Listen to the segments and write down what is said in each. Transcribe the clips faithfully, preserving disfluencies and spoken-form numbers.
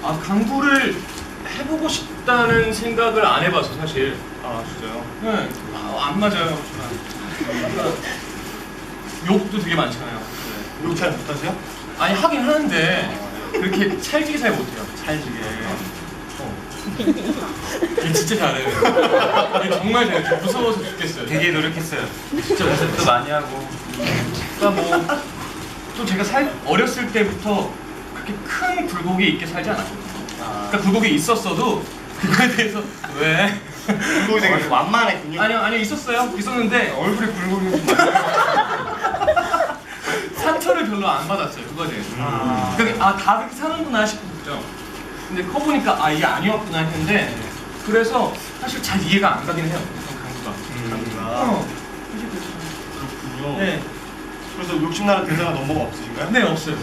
아, 강구를 해보고 싶다는 생각을 안 해봐서 사실. 아 진짜요? 네. 아, 안 맞아요. 욕도 되게 많잖아요. 네. 욕 잘 못하세요? 아니 하긴 하는데 그렇게 찰지게 잘 못해요. 찰지게. 어. 얘 진짜 잘해요. 얘 정말 잘해요. 저 무서워서 죽겠어요. 되게 노력했어요. 진짜 연습도 많이 하고. 그러니까 뭐 또 제가 살 어렸을 때부터 그렇게 큰 굴곡이 있게 살지 않았거든요. 아. 그러니까 굴곡이 있었어도 그거에 대해서 왜? 굴곡이 되게 완만했군요. 아니요 아니요 있었어요. 있었는데 얼굴에 굴곡이 좀 많아요. 상처를 별로 안 받았어요. 그거에 대해서. 아. 그러니까 아 다 그렇게 사는구나 싶었죠. 근데 커 보니까 아 이게 아니었구나 했는데 그래서 사실 잘 이해가 안 가긴 해요. 강구가. 강구가. 어. 그렇군요. 네. 그래서 욕심나는 대사가 넘버가 없으신가요? 네 없어요.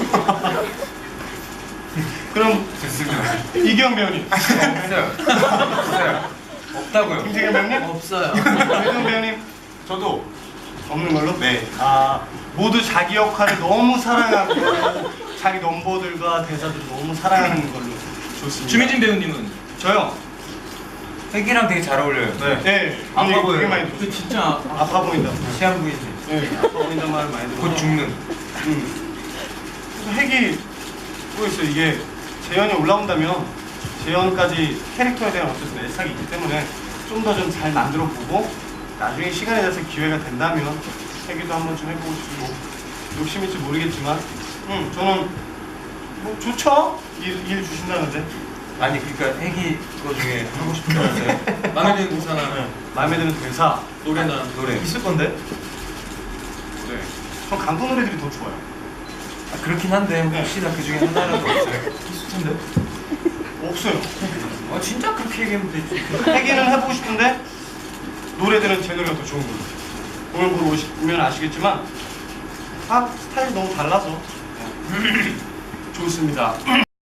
그럼 좋습니다. 이기영 배우님. 없어요. 없어요. 없다고요. 김태경 배우님? 없어요. 이기영 배우님. 저도 없는 걸로? 네. 아 모두 자기 역할을 너무 사랑하고 자기 넘버들과 대사들 너무 사랑하는 걸로 좋습니다. 주민진 배우님은? 저요. 핵이랑 되게 잘 어울려요. 네. 네. 아파 되게 보여요. 많이 들었어요. 그 진짜 아파 보인다. 시한부인지. 네. 아파 보인다는 말을 많이 들어요. 곧 죽는. 음. 그래서 핵이 뭐였어요? 이게 재현이 올라온다면 재현까지 캐릭터에 대한 어쨌든 애착이 있기 때문에 좀 더 좀 잘 만들어 보고 나중에 시간이 돼서 기회가 된다면 핵이도 한번 좀 해보고 싶고 욕심일지 모르겠지만 음 저는 뭐 좋죠? 일, 일 주신다는데 아니 그러니까 핵이 거 중에 하고 싶은 거 있어요? 마음에 드는 대사나 네. 마음에 드는 대사 노래나 노래. 있을 건데 네. 전 강도 노래들이 더 좋아요. 아, 그렇긴 한데 혹시나 그 중에 하나라도 없어요? 있을 텐데 없어요. 어 진짜 그렇게 얘기하면 되지. 핵이는 해보고 싶은데 노래들은 제 노래가 더 좋은 거예요. 오늘 보러 오시면 아시겠지만 다 스타일이 너무 달라서 좋습니다.